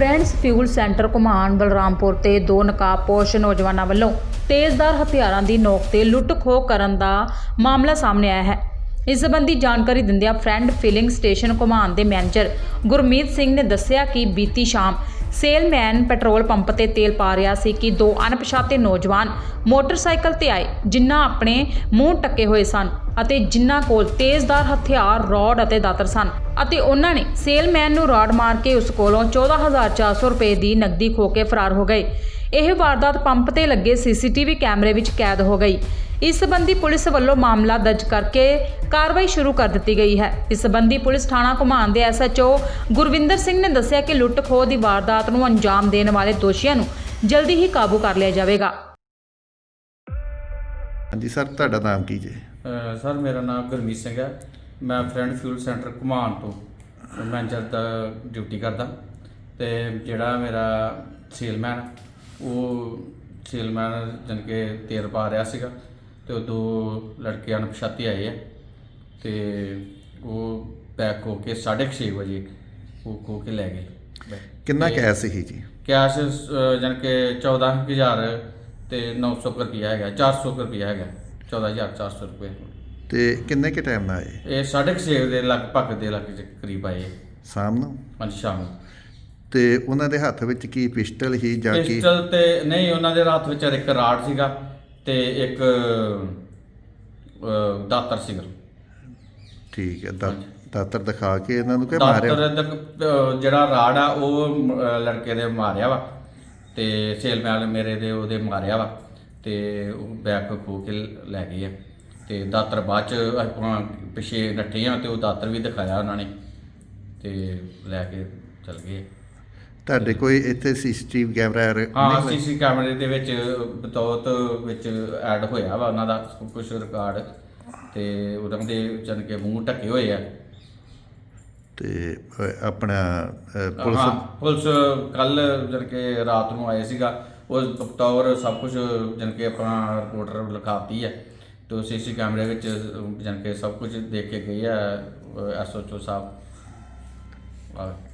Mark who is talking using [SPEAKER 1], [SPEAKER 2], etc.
[SPEAKER 1] Friends fuel centre Ghuman Balrampur ਤੇ ਦੋ ਨਕਾਬਪੋਸ਼ ਨੌਜਵਾਨਾਂ ਵੱਲੋਂ ਤੇਜ਼ਧਾਰ ਹਥਿਆਰਾਂ ਦੀ ਨੋਕ ਤੇ ਲੁੱਟ-ਖੋਹ ਕਰਨ ਦਾ ਮਾਮਲਾ ਸਾਹਮਣੇ ਆਇਆ ਹੈ। ਇਸ ਸੰਬੰਧੀ ਜਾਣਕਾਰੀ ਦਿੰਦਿਆਂ ਫਰੈਂਡ ਫਿਲਿੰਗ ਸਟੇਸ਼ਨ ਘੁਮਾਣ ਦੇ ਮੈਨੇਜਰ ਗੁਰਮੀਤ ਸਿੰਘ ਨੇ ਦੱਸਿਆ ਕਿ ਬੀਤੀ ਸ਼ਾਮ ਸੇਲਮੈਨ ਪੈਟਰੋਲ ਪੰਪ ਤੇ ਤੇਲ ਪਾ ਰਿਹਾ ਸੀ ਕਿ ਦੋ ਅਣਪਛਾਤੇ ਨੌਜਵਾਨ ਮੋਟਰਸਾਈਕਲ ਤੇ ਆਏ, ਜਿਨ੍ਹਾਂ ਆਪਣੇ ਮੂੰਹ ਢੱਕੇ ਹੋਏ ਸਨ ਅਤੇ ਜਿਨ੍ਹਾਂ ਕੋਲ ਤੇਜ਼ਧਾਰ ਹਥਿਆਰ, ਰੋਡ ਅਤੇ ਦਾਤਰ ਸਨ ਅਤੇ ਉਹਨਾਂ ਨੇ ਸੇਲਮੈਨ ਨੂੰ ਰਾੜ ਮਾਰ ਕੇ ਉਸ ਕੋਲੋਂ 14,400 ਰੁਪਏ ਦੀ ਨਕਦੀ ਖੋਹ ਕੇ ਫਰਾਰ ਹੋ ਗਏ। ਇਹ ਵਾਰਦਾਤ ਪੰਪ ਤੇ ਲੱਗੇ ਸੀਸੀਟੀਵੀ ਕੈਮਰੇ ਵਿੱਚ ਕੈਦ ਹੋ ਗਈ। ਇਸ ਸੰਬੰਧੀ ਪੁਲਿਸ ਵੱਲੋਂ ਮਾਮਲਾ ਦਰਜ ਕਰਕੇ ਕਾਰਵਾਈ ਸ਼ੁਰੂ ਕਰ ਦਿੱਤੀ ਗਈ ਹੈ। ਇਸ ਸੰਬੰਧੀ ਪੁਲਿਸ ਥਾਣਾ ਘੁਮਾਣ ਦੇ SHO ਗੁਰਵਿੰਦਰ ਸਿੰਘ ਨੇ ਦੱਸਿਆ ਕਿ ਲੁੱਟ-ਖੋਹ ਦੀ ਵਾਰਦਾਤ ਨੂੰ ਅੰਜਾਮ ਦੇਣ ਵਾਲੇ ਦੋਸ਼ੀਆਂ ਨੂੰ ਜਲਦੀ ਹੀ ਕਾਬੂ ਕਰ ਲਿਆ ਜਾਵੇਗਾ।
[SPEAKER 2] ਹਾਂਜੀ ਸਰ, ਤੁਹਾਡਾ ਨਾਮ ਕੀ ਜੀ?
[SPEAKER 3] ਸਰ ਮੇਰਾ ਨਾਮ ਗੁਰਮੀਤ ਸਿੰਘ ਹੈ। ਮੈਂ ਫਰੈਂਡ ਫਿਊਲ ਸੈਂਟਰ ਘੁਮਾਣ ਤੋਂ ਮੈਨੇਜਰ ਦਾ ਡਿਊਟੀ ਕਰਦਾ ਤੇ ਜਿਹੜਾ ਮੇਰਾ ਸੇਲਮੈਨ ਜਾਣੀ ਕਿ ਤੇਲ ਪਾ ਰਿਹਾ ਸੀਗਾ ਤੇ ਉਹ ਦੋ ਲੜਕੇ ਅਣਪਛਾਤੇ ਆਏ ਆ ਤੇ ਉਹ ਪੈਕ ਹੋ ਕੇ 6:30 ਵਜੇ ਉਹ ਖੋ ਕੇ ਲੈ ਗਏ।
[SPEAKER 2] ਕਿੰਨਾ ਕੈਸ਼ ਸੀ ਜੀ?
[SPEAKER 3] ਕੈਸ਼ ਜਾਣੀ ਕਿ 14,000 ਤੇ 900 ਰੁਪਇਆ ਹੈਗਾ, 400 ਰੁਪਇਆ ਹੈਗਾ, 14,400 ਰੁਪਏ।
[SPEAKER 2] ਤੇ ਕਿੰਨੇ ਕੇ ਟਾਈਮ ਨਾਲ ਆਏ?
[SPEAKER 3] ਇਹ 6:30 ਦੇ ਲਗਭਗ ਕਰੀਬ ਆਏ
[SPEAKER 2] ਸ਼ਾਮ ਨੂੰ?
[SPEAKER 3] ਹਾਂਜੀ, ਸ਼ਾਮ ਨੂੰ।
[SPEAKER 2] ਤੇ ਉਹਨਾਂ ਦੇ ਹੱਥ ਵਿੱਚ ਕੀ ਪਿਸਟਲ ਹੀ ਜਾਂ ਕੀ?
[SPEAKER 3] ਪਿਸਟਲ ਤੇ ਨਹੀਂ, ਉਹਨਾਂ ਦੇ ਹੱਥ ਵਿੱਚ ਇੱਕ ਰਾੜ ਸੀਗਾ ਤੇ ਇੱਕ ਦਾਤਰ ਸੀਗਾ।
[SPEAKER 2] ਠੀਕ ਹੈ, ਦਾਤਰ ਦਿਖਾ ਕੇ ਇਹਨਾਂ ਨੂੰ ਕਿ ਮਾਰਿਆ?
[SPEAKER 3] ਦਾਤਰ ਜਿਹੜਾ ਰਾੜ ਆ ਉਹ ਲੜਕੇ ਦੇ ਮਾਰਿਆ ਵਾ ਤੇ ਸੇਲਮੈਨ ਮੇਰੇ ਦੇ ਉਹਦੇ ਮਾਰਿਆ ਵਾ ਤੇ ਉਹ ਬੈਗ ਖੋ ਕੇ ਲੈ ਗਏ ਆ ਤੇ ਦਾਤਰ ਬਾਅਦ ਚ ਆਪਾਂ ਪਿੱਛੇ ਨੱਠੇ ਆ ਤੇ ਉਹ ਦਾਤਰ ਵੀ ਦਿਖਾਇਆ ਉਹਨਾਂ ਨੇ ਤੇ ਲੈ ਕੇ ਚਲ ਗਏ।
[SPEAKER 2] ਤੁਹਾਡੇ ਕੋਈ ਇੱਥੇ ਸੀਸੀਟੀਵੀ ਕੈਮਰਾ?
[SPEAKER 3] ਹਾਂ, ਸੀਸੀ ਕੈਮਰੇ ਦੇ ਵਿੱਚ ਬਤੌਤ ਵਿੱਚ ਐਡ ਹੋਇਆ ਵਾ ਉਹਨਾਂ ਦਾ ਕੁਝ ਰਿਕਾਰਡ ਤੇ ਉਹਨਾਂ ਦੇ ਜਾਣੀ ਕਿ ਮੂੰਹ ਢੱਕੇ ਹੋਏ ਆ।
[SPEAKER 2] ਤੇ ਆਪਣਾ
[SPEAKER 3] ਪੁਲਿਸ ਕੱਲ ਜਾਣੀ ਕਿ ਰਾਤ ਨੂੰ ਆਏ ਸੀਗਾ, ਉਹ ਬਤੌਰ ਸਭ ਕੁਝ ਜਾਣੀ ਕਿ ਆਪਣਾ ਰਿਪੋਰਟਰ ਲਿਖਾਤੀ ਹੈ ਤੇ ਸੀਸੀ ਕੈਮਰੇ ਵਿੱਚ ਜਾਣੀ ਕਿ ਸਭ ਕੁਝ ਦੇਖ ਕੇ ਗਏ ਆ SHO ਸਾਹਿਬ।